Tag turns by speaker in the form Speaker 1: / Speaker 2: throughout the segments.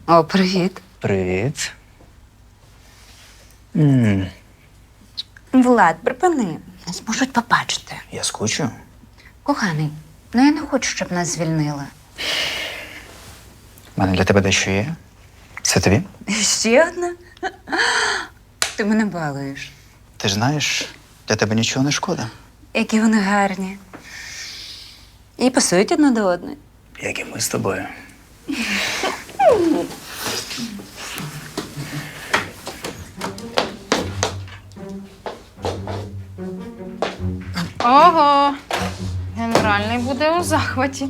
Speaker 1: О, привіт.
Speaker 2: Привіт.
Speaker 1: Влад, припини. Нас можуть побачити.
Speaker 2: Я скучу.
Speaker 1: Коханий, я не хочу, щоб нас звільнили.
Speaker 2: У мене для тебе дещо є. Це тобі?
Speaker 1: Ще одна? Ти мене балуєш.
Speaker 2: Ти ж знаєш, для тебе нічого не шкода.
Speaker 1: Які вони гарні. І пасують одна до одної.
Speaker 2: Як і ми з тобою.
Speaker 3: Ого, генеральний буде у захваті.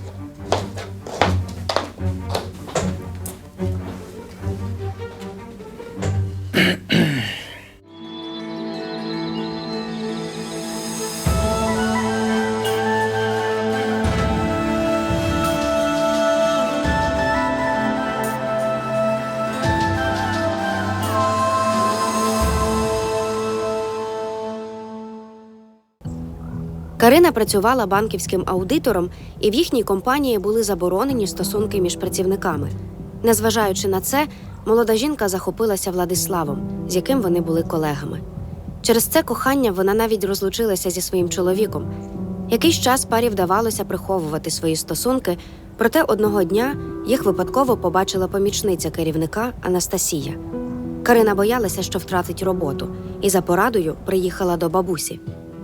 Speaker 4: Карина працювала банківським аудитором, і в їхній компанії були заборонені стосунки між працівниками. Незважаючи на це, молода жінка захопилася Владиславом, з яким вони були колегами. Через це кохання вона навіть розлучилася зі своїм чоловіком. Якийсь час парі вдавалося приховувати свої стосунки, проте одного дня їх випадково побачила помічниця керівника Анастасія. Карина боялася, що втратить роботу, і за порадою приїхала до бабусі.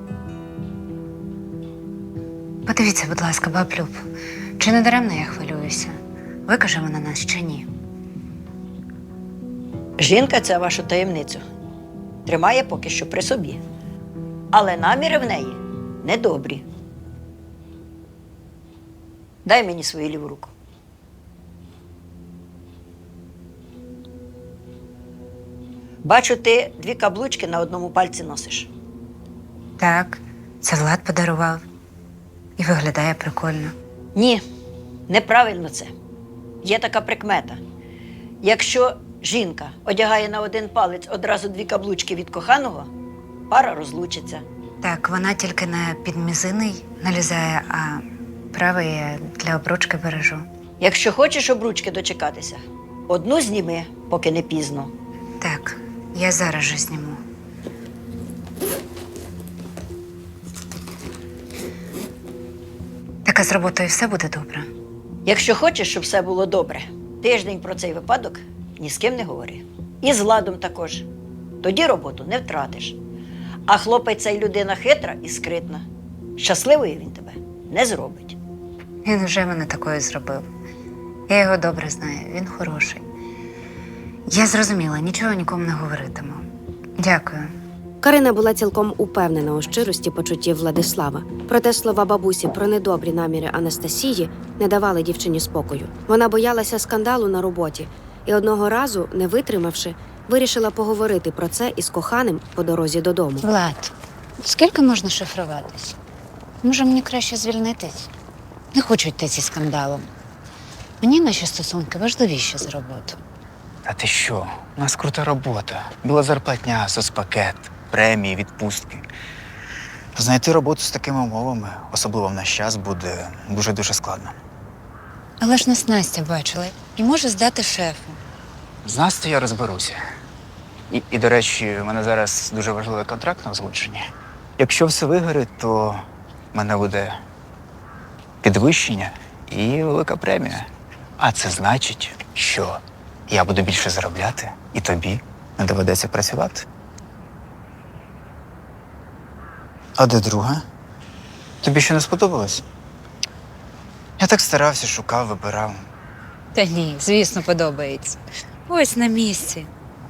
Speaker 1: Подивіться, будь ласка, баб Люб, чи не даремно я хвилююся? Викаже вона нас чи ні?
Speaker 5: Жінка ця вашу таємницю тримає поки що при собі. Але наміри в неї недобрі. Дай мені свою ліву руку. Бачу, ти 2 каблучки на одному пальці носиш.
Speaker 1: Так, це Влад подарував. І виглядає прикольно.
Speaker 5: Ні, неправильно це. Є така прикмета. Якщо жінка одягає на один палець одразу 2 каблучки від коханого, пара розлучиться.
Speaker 1: Так, вона тільки на підмізинний налізає, а правий я для обручки бережу.
Speaker 5: Якщо хочеш обручки дочекатися, одну зніми, поки не пізно.
Speaker 1: Так, я зараз же зніму. Так, а з роботою все буде добре?
Speaker 5: Якщо хочеш, щоб все було добре, тиждень про цей випадок ні з ким не говори. І з Владом також. Тоді роботу не втратиш. А хлопець цей людина хитра і скритна. Щасливою він тебе не зробить.
Speaker 1: Він вже мене такою зробив. Я його добре знаю, він хороший. Я зрозуміла, нічого нікому не говоритиму. Дякую.
Speaker 4: Карина була цілком упевнена у щирості почуттів Владислава. Проте слова бабусі про недобрі наміри Анастасії не давали дівчині спокою. Вона боялася скандалу на роботі і одного разу, не витримавши, вирішила поговорити про це із коханим по дорозі додому.
Speaker 1: Влад, скільки можна шифруватись? Може, мені краще звільнитись? Не хочу йти зі скандалом. Мені наші стосунки важливіші за роботу.
Speaker 2: А ти що? У нас крута робота. Біла зарплатня, соцпакет, премії, відпустки. Знайти роботу з такими умовами, особливо в наш час, буде дуже-дуже складно.
Speaker 1: Але ж нас Настя бачила і може здати шефу.
Speaker 2: З Настю я розберуся. І, до речі, у мене зараз дуже важливий контракт на озвученні. Якщо все вигорить, то в мене буде підвищення і велика премія. А це значить, що я буду більше заробляти, і тобі не доведеться працювати. А де друга? Тобі ще не сподобалось? Я так старався, шукав, вибирав.
Speaker 1: Та ні, звісно, подобається. Ось на місці.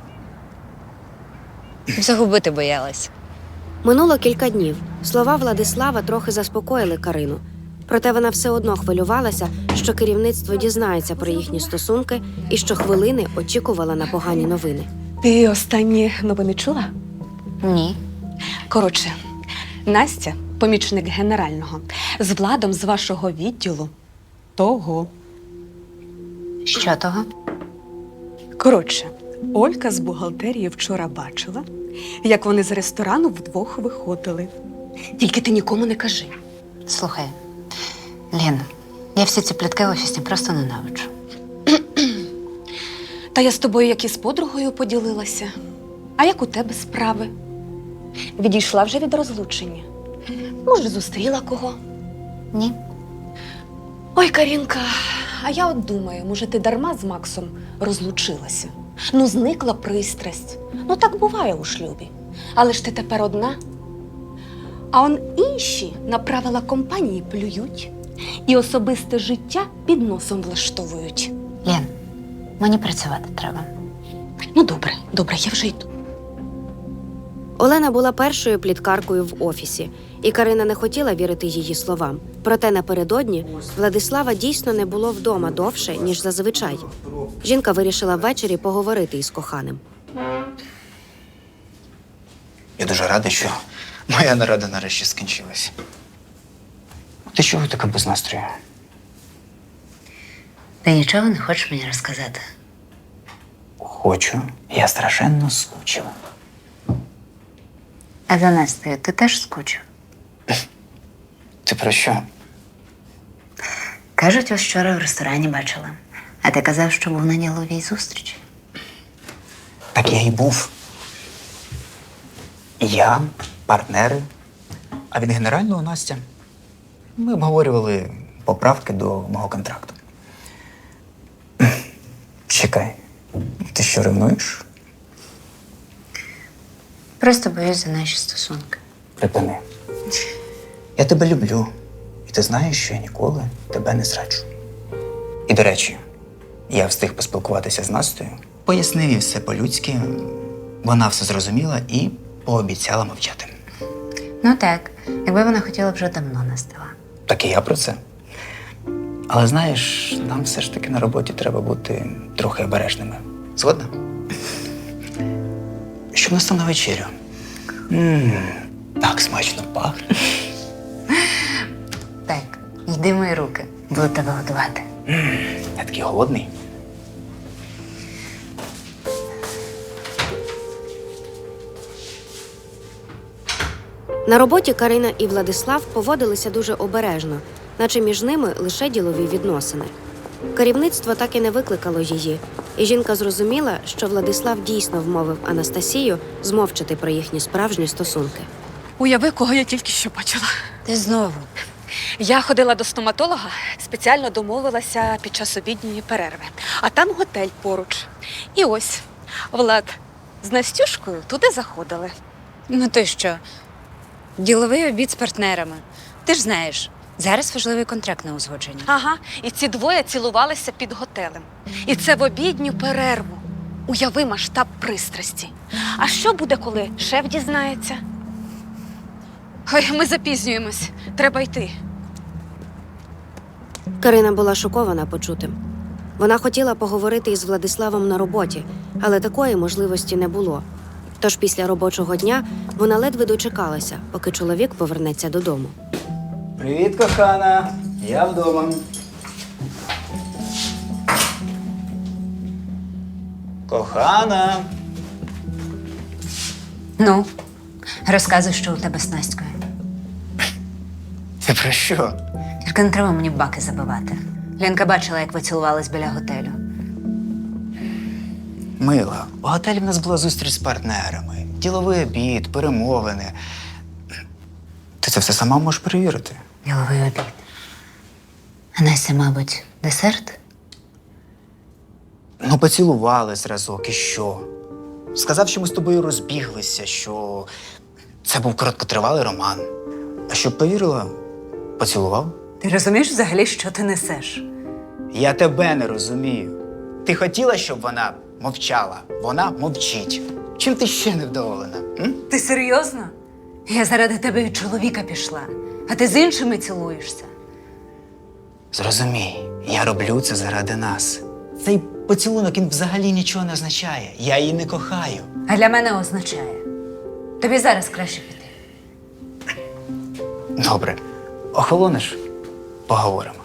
Speaker 1: Загубити боялась.
Speaker 4: Минуло кілька днів. Слова Владислава трохи заспокоїли Карину. Проте вона все одно хвилювалася, що керівництво дізнається про їхні стосунки і щохвилини очікувала на погані новини.
Speaker 6: Ти останні новини чула?
Speaker 1: Ні.
Speaker 6: Коротше, Настя, помічник генерального, з Владом з вашого відділу того.
Speaker 1: Що того?
Speaker 6: Коротше, Олька з бухгалтерії вчора бачила, як вони з ресторану вдвох виходили. Тільки ти нікому не кажи.
Speaker 1: Слухай, Лен, я всі ці плітки офісні просто ненавиджу.
Speaker 6: Та я з тобою як і з подругою поділилася. А як у тебе справи? Відійшла вже від розлучення? Може, зустріла кого?
Speaker 1: Ні.
Speaker 6: Ой, Карінка, а я от думаю, може, ти дарма з Максом розлучилася? Ну, зникла пристрасть. Ну, так буває у шлюбі. Але ж ти тепер одна. А он інші на правила компанії плюють і особисте життя під носом влаштовують.
Speaker 1: Лен, мені працювати треба.
Speaker 6: Ну, добре, я вже йду.
Speaker 4: Олена була першою пліткаркою в офісі, і Карина не хотіла вірити її словам. Проте напередодні Владислава дійсно не було вдома довше, ніж зазвичай. Жінка вирішила ввечері поговорити із коханим.
Speaker 2: Я дуже радий, що моя нарада нарешті скінчилась. Ти чого така без настрою?
Speaker 1: Ти нічого не хочеш мені розказати?
Speaker 2: Хочу. Я страшенно скучив.
Speaker 1: А за Настею ти теж скучив?
Speaker 2: Ти про що?
Speaker 1: Кажуть, ось вчора в ресторані бачила. А ти казав, що був на діловій зустрічі.
Speaker 2: Так я і був. Я, партнери, а від генерального Настя. Ми обговорювали поправки до мого контракту. Чекай, ти що, ревнуєш?
Speaker 1: Просто боюсь за наші стосунки.
Speaker 2: Припини. Я тебе люблю. І ти знаєш, що я ніколи тебе не зраджу. І, до речі, я встиг поспілкуватися з Настею, пояснив їй все по-людськи. Вона все зрозуміла і пообіцяла мовчати.
Speaker 1: Ну так, якби вона хотіла б вже давно настала.
Speaker 2: Так і я про це. Але знаєш, нам все ж таки на роботі треба бути трохи обережними. Згодна? Що в нас там на вечерю? Так смачно пахне.
Speaker 1: Так, йди мої руки, буду тебе годувати.
Speaker 2: Я такий голодний.
Speaker 4: На роботі Карина і Владислав поводилися дуже обережно, наче між ними лише ділові відносини. Керівництво так і не викликало її, і жінка зрозуміла, що Владислав дійсно вмовив Анастасію змовчати про їхні справжні стосунки.
Speaker 6: Уяви, кого я тільки що бачила.
Speaker 1: Ти знову.
Speaker 6: Я ходила до стоматолога, спеціально домовилася під час обідньої перерви. А там готель поруч. І ось, Влад з Настюшкою туди заходили.
Speaker 1: Ну ти що? Діловий обід з партнерами. Ти ж знаєш, зараз важливий контракт на узгодження.
Speaker 6: Ага, і ці двоє цілувалися під готелем. І це в обідню перерву. Уяви масштаб пристрасті. А що буде, коли шеф дізнається? Ой, ми запізнюємось. Треба йти.
Speaker 4: Карина була шокована почутим. Вона хотіла поговорити із Владиславом на роботі, але такої можливості не було. Тож після робочого дня вона ледве дочекалася, поки чоловік повернеться додому.
Speaker 2: Привіт, кохана. Я вдома. Кохана.
Speaker 1: Ну, розказуй, що у тебе з Настькою.
Speaker 2: Ти про що?
Speaker 1: Тільки не треба мені баки забивати. Ленка бачила, як ви цілувались біля готелю.
Speaker 2: Мила, у готелі в нас була зустріч з партнерами. Діловий обід, перемовини. Ти це все сама можеш перевірити.
Speaker 1: Діловий обід. А Настя, мабуть, десерт?
Speaker 2: Ну, поцілувались разок, і що? Сказав, що ми з тобою розбіглися, що це був короткотривалий роман. А щоб повірила, поцілував.
Speaker 1: Ти розумієш взагалі, що ти несеш?
Speaker 2: Я тебе не розумію. Ти хотіла, щоб вона мовчала. Вона мовчить. Чим ти ще невдоволена? М?
Speaker 1: Ти серйозно? Я заради тебе від чоловіка пішла, а ти з іншими цілуєшся.
Speaker 2: Зрозумій, я роблю це заради нас. Цей поцілунок, він взагалі нічого не означає. Я її не кохаю.
Speaker 1: А для мене означає. Тобі зараз краще піти.
Speaker 2: Добре, охолонеш? Поговоримо.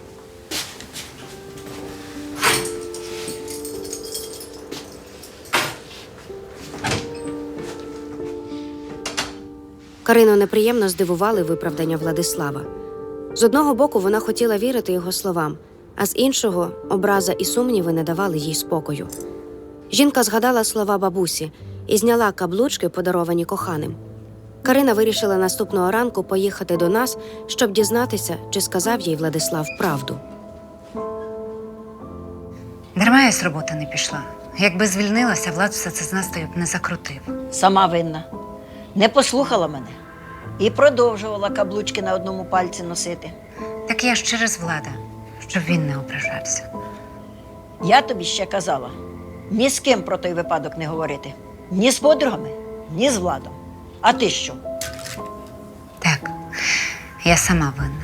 Speaker 4: Карину неприємно здивували виправдання Владислава. З одного боку, вона хотіла вірити його словам, а з іншого – образа і сумніви не давали їй спокою. Жінка згадала слова бабусі і зняла каблучки, подаровані коханим. Карина вирішила наступного ранку поїхати до нас, щоб дізнатися, чи сказав їй Владислав правду.
Speaker 1: Дарма я з роботи не пішла. Якби звільнилася, Влад все це з Настею б не закрутив.
Speaker 5: Сама винна. Не послухала мене. І продовжувала каблучки на одному пальці носити.
Speaker 1: Так я ж через Влада, щоб він не ображався.
Speaker 5: Я тобі ще казала, ні з ким про той випадок не говорити. Ні з подругами, ні з Владом. А ти що?
Speaker 1: Так, я сама винна.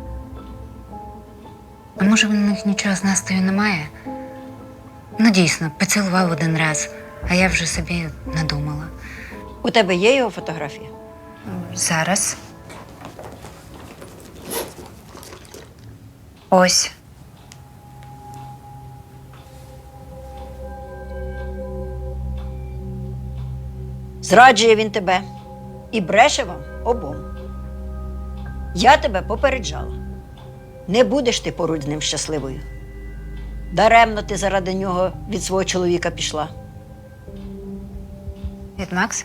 Speaker 1: А може, в них нічого з Настею немає? Ну, дійсно, поцілував один раз, а я вже собі надумала.
Speaker 5: У тебе є його фотографія?
Speaker 1: Зараз. Ось.
Speaker 5: Зраджує він тебе і бреше вам обом. Я тебе попереджала. Не будеш ти поруч з ним щасливою. Даремно ти заради нього від свого чоловіка пішла.
Speaker 1: Від Макса?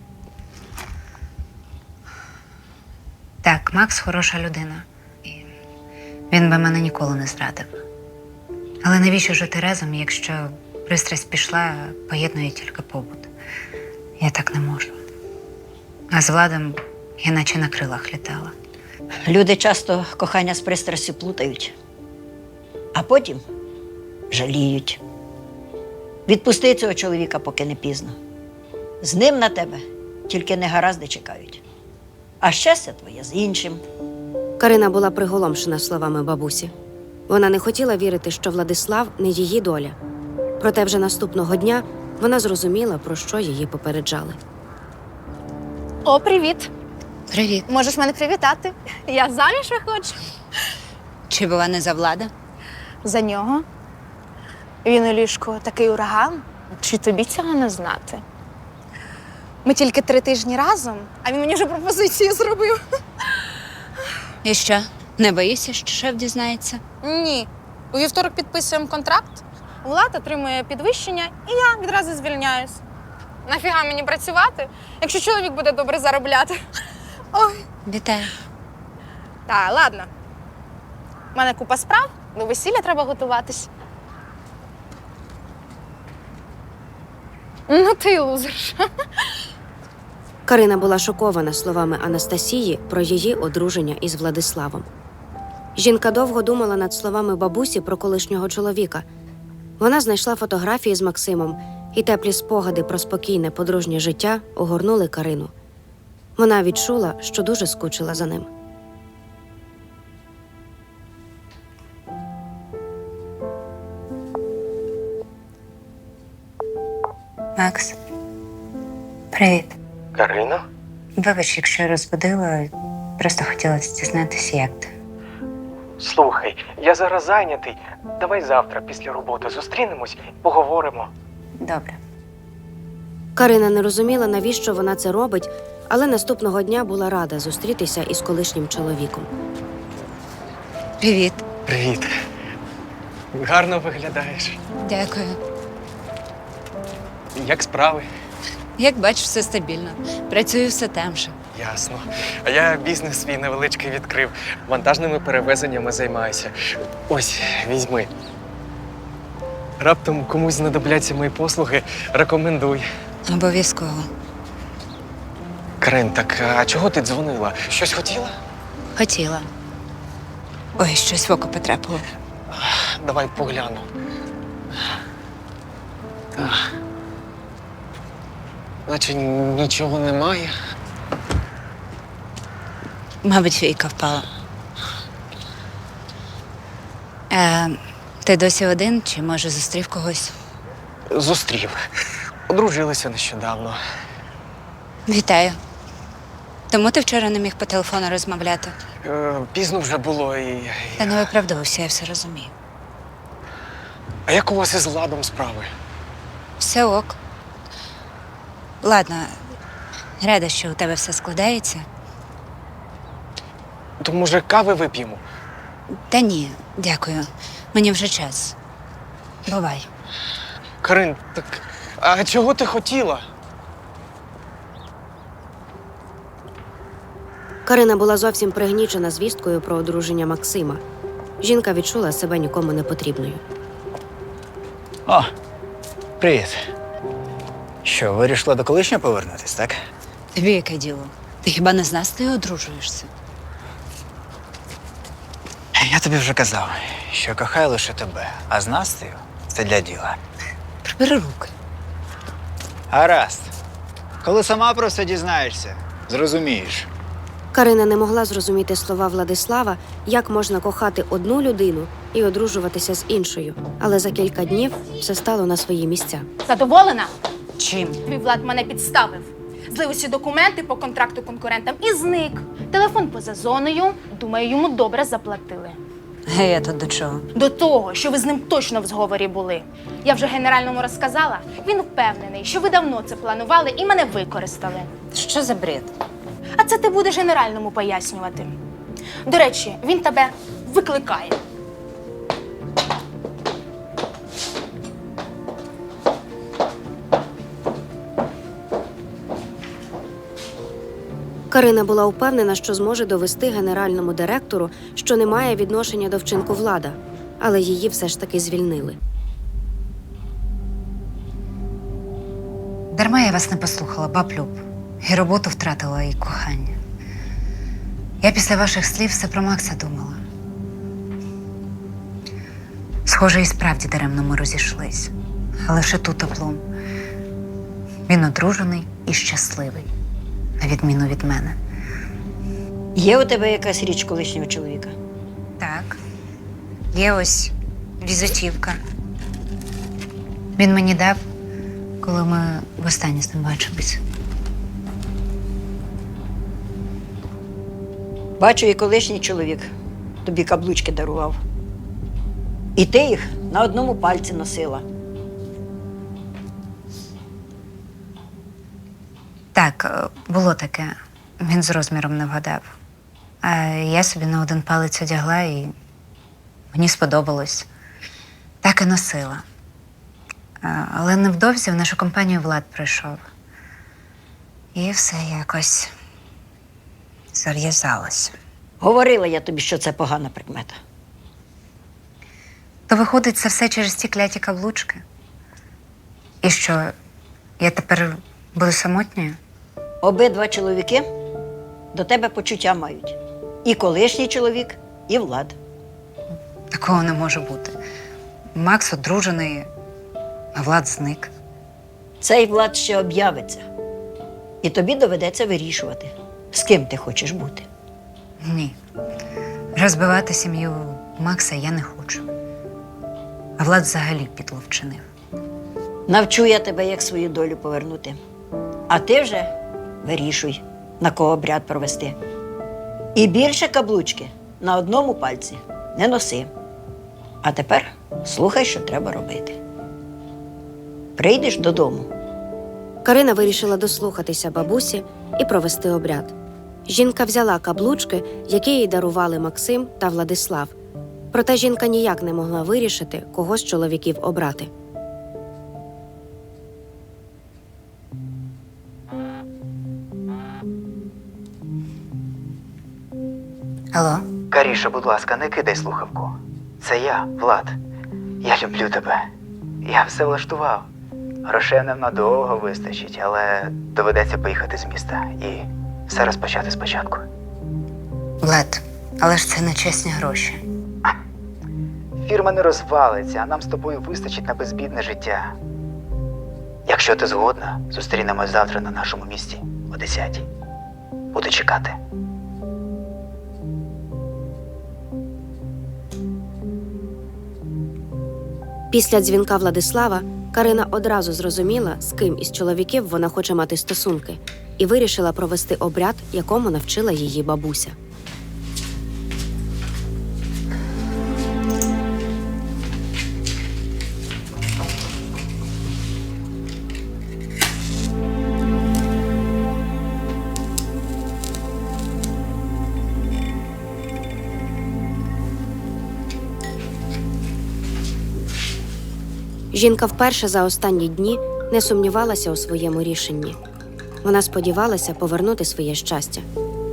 Speaker 1: Так, Макс хороша людина. І він би мене ніколи не зрадив. Але навіщо жити разом, якщо пристрасть пішла, а поєднує тільки побут? Я так не можу. А з Владом я наче на крилах літала.
Speaker 5: Люди часто кохання з пристрастю плутають, а потім жаліють. Відпусти цього чоловіка, поки не пізно. З ним на тебе тільки негаразди чекають. А щастя твоє з іншим.
Speaker 4: Карина була приголомшена словами бабусі. Вона не хотіла вірити, що Владислав не її доля. Проте вже наступного дня вона зрозуміла, про що її попереджали.
Speaker 3: О, привіт!
Speaker 1: Привіт.
Speaker 3: Можеш мене привітати? Я заміж виходжу.
Speaker 1: Чи була не за Влада?
Speaker 3: За нього. Він у ліжку такий ураган. Чи тобі цього не знати? Ми тільки 3 тижні разом, а він мені вже пропозицію зробив.
Speaker 1: І що, не боїшся, що шеф дізнається?
Speaker 3: Ні. У вівторок підписуємо контракт, Влад отримує підвищення, і я відразу звільняюсь. Нафіга мені працювати, якщо чоловік буде добре заробляти? Ой.
Speaker 1: Вітаю.
Speaker 3: Та, ладно. У мене купа справ, до весілля треба готуватись. Ну ти й лузерша.
Speaker 4: Карина була шокована словами Анастасії про її одруження із Владиславом. Жінка довго думала над словами бабусі про колишнього чоловіка. Вона знайшла фотографії з Максимом, і теплі спогади про спокійне подружнє життя огорнули Карину. Вона відчула, що дуже скучила за ним.
Speaker 1: Макс. Привіт.
Speaker 7: Карина?
Speaker 1: Вибач, якщо розбудила, просто хотілося дізнатися, як ти.
Speaker 7: Слухай, я зараз зайнятий. Давай завтра після роботи зустрінемось і поговоримо.
Speaker 1: Добре.
Speaker 4: Карина не розуміла, навіщо вона це робить, але наступного дня була рада зустрітися із колишнім чоловіком.
Speaker 1: Привіт.
Speaker 7: Привіт. Гарно виглядаєш.
Speaker 1: Дякую.
Speaker 7: Як справи?
Speaker 1: Як бачиш, все стабільно. Працюю все там же.
Speaker 7: Ясно. А я бізнес свій невеличкий відкрив. Вантажними перевезеннями займаюся. Ось, візьми. Раптом комусь знадобляться мої послуги, рекомендуй.
Speaker 1: Обов'язково.
Speaker 7: Карин, так а чого ти дзвонила? Щось хотіла?
Speaker 1: Хотіла. Ой, щось в око потрапило.
Speaker 7: Давай погляну. Так. Наче нічого немає.
Speaker 1: Мабуть, війка впала. Ти досі один, чи, може, зустрів когось?
Speaker 7: Зустрів. Одружилися нещодавно.
Speaker 1: Вітаю. Тому ти вчора не міг по телефону розмовляти?
Speaker 7: Пізно вже було і.
Speaker 1: Та не виправдовувався, я все розумію.
Speaker 7: А як у вас із Владом справи?
Speaker 1: Все ок. Ладно, рада, що у тебе все складається.
Speaker 7: То, може, кави вип'ємо?
Speaker 1: Та ні, дякую. Мені вже час. Бувай.
Speaker 7: Карин, так а чого ти хотіла?
Speaker 4: Карина була зовсім пригнічена звісткою про одруження Максима. Жінка відчула себе нікому не потрібною.
Speaker 2: О, привіт. Що, вирішила до колишнього повернутись, так?
Speaker 1: Тобі яке діло? Ти хіба не з Настею одружуєшся?
Speaker 2: Я тобі вже казав, що кохаю лише тебе, а з Настею це для діла.
Speaker 1: Прибери руки.
Speaker 2: Гаразд. Коли сама про все дізнаєшся, зрозумієш.
Speaker 4: Карина не могла зрозуміти слова Владислава, як можна кохати одну людину і одружуватися з іншою. Але за кілька днів все стало на свої місця.
Speaker 3: Задоволена?
Speaker 1: Чим?
Speaker 3: Твій Влад мене підставив. Злив усі документи по контракту конкурентам і зник. Телефон поза зоною. Думаю, йому добре заплатили.
Speaker 1: Я тут до чого?
Speaker 3: До того, що ви з ним точно в зговорі були. Я вже генеральному розказала. Він впевнений, що ви давно це планували і мене використали.
Speaker 1: Що за бред?
Speaker 3: А це ти будеш генеральному пояснювати. До речі, він тебе викликає.
Speaker 4: Карина була впевнена, що зможе довести генеральному директору, що не має відношення до вчинку Влада, але її все ж таки звільнили.
Speaker 1: Дарма я вас не послухала, баб Люб. І роботу втратила, і кохання. Я після ваших слів все про Макса думала. Схоже, і справді даремно ми розійшлись. А лише тут облом. Він одружений і щасливий, на відміну від мене.
Speaker 5: Є у тебе якась річ колишнього чоловіка?
Speaker 1: Так, є ось візитівка. Він мені дав, коли ми востаннє з ним бачились.
Speaker 5: Бачу, і колишній чоловік тобі каблучки дарував. І ти їх на одному пальці носила.
Speaker 1: Так, було таке. Він з розміром не вгадав. А я собі на один палець одягла і мені сподобалось. Так і носила. Але невдовзі в нашу компанію Влад прийшов. І все якось зав'язалося.
Speaker 5: Говорила я тобі, що це погана прикмета.
Speaker 1: То виходить, це все через ті кляті каблучки? І що, я тепер буду самотньою?
Speaker 5: Обидва чоловіки до тебе почуття мають. І колишній чоловік, і Влад.
Speaker 1: Такого не може бути. Макс одружений, а Влад зник.
Speaker 5: Цей Влад ще об'явиться. І тобі доведеться вирішувати, з ким ти хочеш бути.
Speaker 1: Ні. Розбивати сім'ю Макса я не хочу. А Влад взагалі підло вчинив.
Speaker 5: Навчу я тебе, як свою долю повернути. А ти вже вирішуй, на кого обряд провести. І більше каблучки на одному пальці не носи. А тепер слухай, що треба робити. Прийдеш додому.
Speaker 4: Карина вирішила дослухатися бабусі і провести обряд. Жінка взяла каблучки, які їй дарували Максим та Владислав. Проте жінка ніяк не могла вирішити, кого з чоловіків обрати.
Speaker 1: Алло?
Speaker 2: Каріша, будь ласка, не кидай слухавку. Це я, Влад. Я люблю тебе. Я все влаштував. Грошей нам надовго вистачить, але доведеться поїхати з міста і все розпочати спочатку.
Speaker 1: Влад, але ж це не чесні гроші.
Speaker 2: Фірма не розвалиться, а нам з тобою вистачить на безбідне життя. Якщо ти згодна, зустрінемось завтра на нашому місці о 10:00. Буду чекати.
Speaker 4: Після дзвінка Владислава Карина одразу зрозуміла, з ким із чоловіків вона хоче мати стосунки, і вирішила провести обряд, якому навчила її бабуся. Жінка вперше за останні дні не сумнівалася у своєму рішенні. Вона сподівалася повернути своє щастя.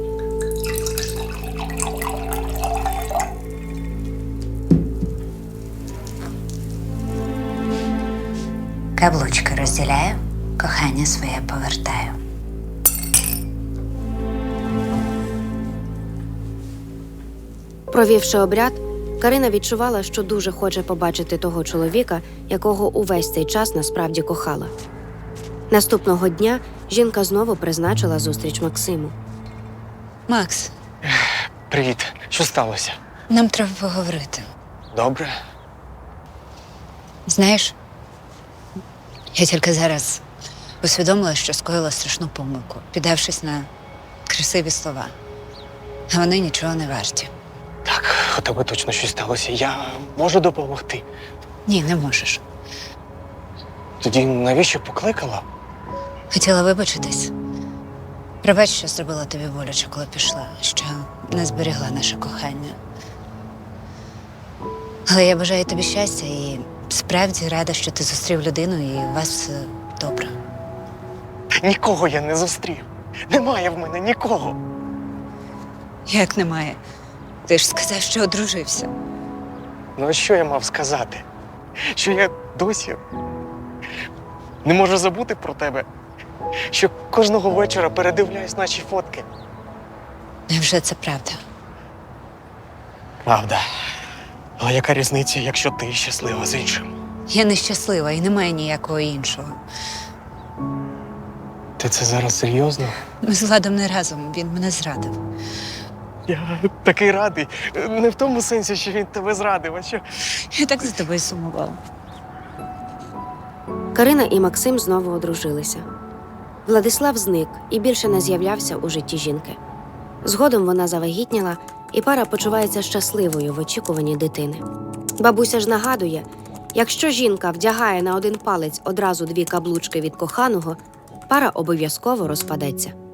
Speaker 1: Каблучки розділяю, кохання своє повертаю.
Speaker 4: Провівши обряд, Карина відчувала, що дуже хоче побачити того чоловіка, якого увесь цей час насправді кохала. Наступного дня жінка знову призначила зустріч Максиму.
Speaker 1: Макс,
Speaker 7: Привіт, що сталося?
Speaker 1: нам треба поговорити.
Speaker 7: Добре?
Speaker 1: Знаєш, я тільки зараз усвідомила, що скоїла страшну помилку, піддавшись на красиві слова. А вони нічого не варті.
Speaker 7: Так, у тебе точно щось сталося. Я можу допомогти.
Speaker 1: Ні, не можеш.
Speaker 7: Тоді навіщо покликала?
Speaker 1: Хотіла вибачитись. Пробач, що зробила тобі боляче, коли пішла, що не зберігла наше кохання. Але я бажаю тобі щастя і справді рада, що ти зустрів людину і у вас все добре.
Speaker 7: Нікого я не зустрів. Немає в мене нікого.
Speaker 1: Як немає? Ти ж сказав, що одружився.
Speaker 7: Ну а що я мав сказати? Що я досі не можу забути про тебе. Що кожного вечора передивляюсь наші фотки.
Speaker 1: Невже це правда?
Speaker 7: Правда. Але яка різниця, якщо ти щаслива з іншим?
Speaker 1: Я нещаслива і немає ніякого іншого.
Speaker 7: Ти це зараз серйозно?
Speaker 1: Ми з Владом не разом, він мене зрадив.
Speaker 7: Я такий радий. Не в тому сенсі, що він тебе зрадив, а що.
Speaker 1: Я так за тобою сумувала.
Speaker 4: Карина і Максим знову одружилися. Владислав зник і більше не з'являвся у житті жінки. Згодом вона завагітніла, і пара почувається щасливою в очікуванні дитини. Бабуся ж нагадує, якщо жінка вдягає на один палець одразу 2 каблучки від коханого, пара обов'язково розпадеться.